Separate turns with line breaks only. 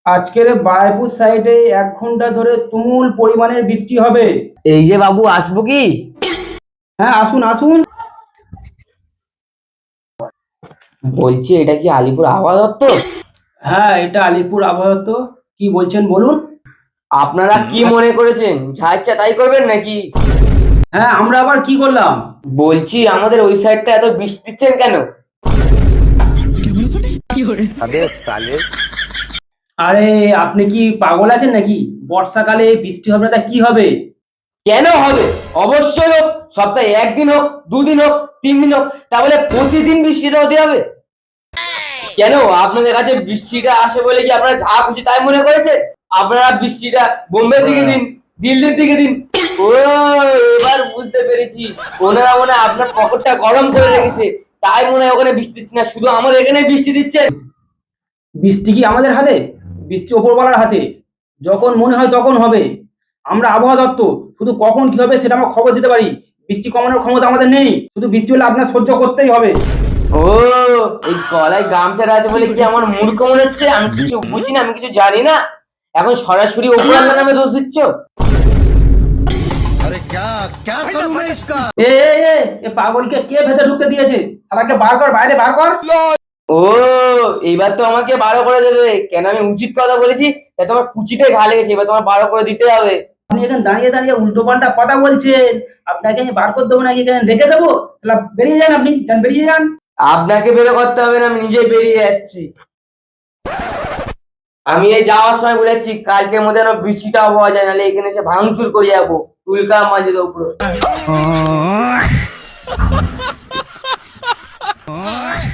আজকের বায়পুর সাইডে 1 ঘন্টা ধরে তুমুল পরিমাণের বৃষ্টি হবে।
এই যে বাবু, আসবো কি?
হ্যাঁ, আসুন আসুন।
বলছি, এটা কি আলিপুর আবহাওয়া দপ্তর?
হ্যাঁ, এটা আলিপুর আবহাওয়া। তো কি বলছেন বলুন।
আপনারা কি মনে করেছেন, যা ইচ্ছা তাই করবেন নাকি?
হ্যাঁ, আমরা আবার কি করলাম?
বলছি, আমাদের ওই সাইডটা এত বৃষ্টি দিচ্ছেন কেন?
আরে, আপনি কি পাগল আছেন নাকি? বর্ষাকালে বৃষ্টি হবে না তা কি হবে?
কেন হবে? অবশ্যই হোক। সপ্তাহে একদিন হোক, দুদিন হোক, 3 দিন হোক, তাহলে প্রতিদিন বৃষ্টিটা হতে হবে কেন? আপনাদের কাছে বৃষ্টিটা আসে বলে কি আপনারা যা খুশি তাই মনে করেছেন? আপনারা বৃষ্টিটা বোম্বের দিকে দিন, দিল্লির দিকে দিন। ও, এবার বুঝতে পেরেছি। ওনারা মনে হয় আপনার পকেটটা গরম করে রেখেছে, তাই মনে হয় ওখানে বৃষ্টি দিচ্ছে না, শুধু আমাদের এখানে বৃষ্টি দিচ্ছেন।
বৃষ্টি কি আমাদের হাতে? বৃষ্টি ওপরওয়ালার হাতে। যখন মনে হয় তখন হবে। আমরা আবহাওয়া দপ্তর, শুধু কখন কি হবে সেটা আমরা খবর দিতে পারি। বৃষ্টি কমানোর ক্ষমতা আমাদের নেই। শুধু বৃষ্টি হলে আপনার সহ্য করতেই হবে।
ও, এই গলায় গামছাটা আছে বলে কি আমার মূর্খ মনে হচ্ছে? আমি কিছু বুঝি না, আমি কিছু জানি না, এখন সরাসরি উপরাল্লার নামে দোষ দিচ্ছ।
अरे क्या क्या करूं मैं इसका।
এ এ এ, এ পাগলকে কে ভেতরে ঢুকতে দিয়েছে? শালাকে বার কর, বাইরে বার কর।
ও, এইবার তো আমাকে বারো করে দেবে। কেন, আমি উচিত কথা বলেছি তাই তোমার কুচিতে ঘা লেগেছে, এবার তোমার বারো করে দিতে হবে।
আপনি এখানে দাঁড়িয়ে দাঁড়িয়ে উল্টো পাল্টা কথা বলছেন। আপনাকে আমি বার করে দেবো নাকি এখানে রেখে দেবো? তাহলে বেরিয়ে যান, আপনি যান, বেরিয়ে যান।
আপনাকে বেরো করতে হবে না, আমি নিজেই বেরিয়ে যাচ্ছি। আমি এই যাওয়ার সময় বলেছি কালকের মধ্যে যেন বৃষ্টিটাও পাওয়া যায়, নাহলে এখানে এসে ভাঙচুর করে যাবো, উল্কা মাঝে উপরে।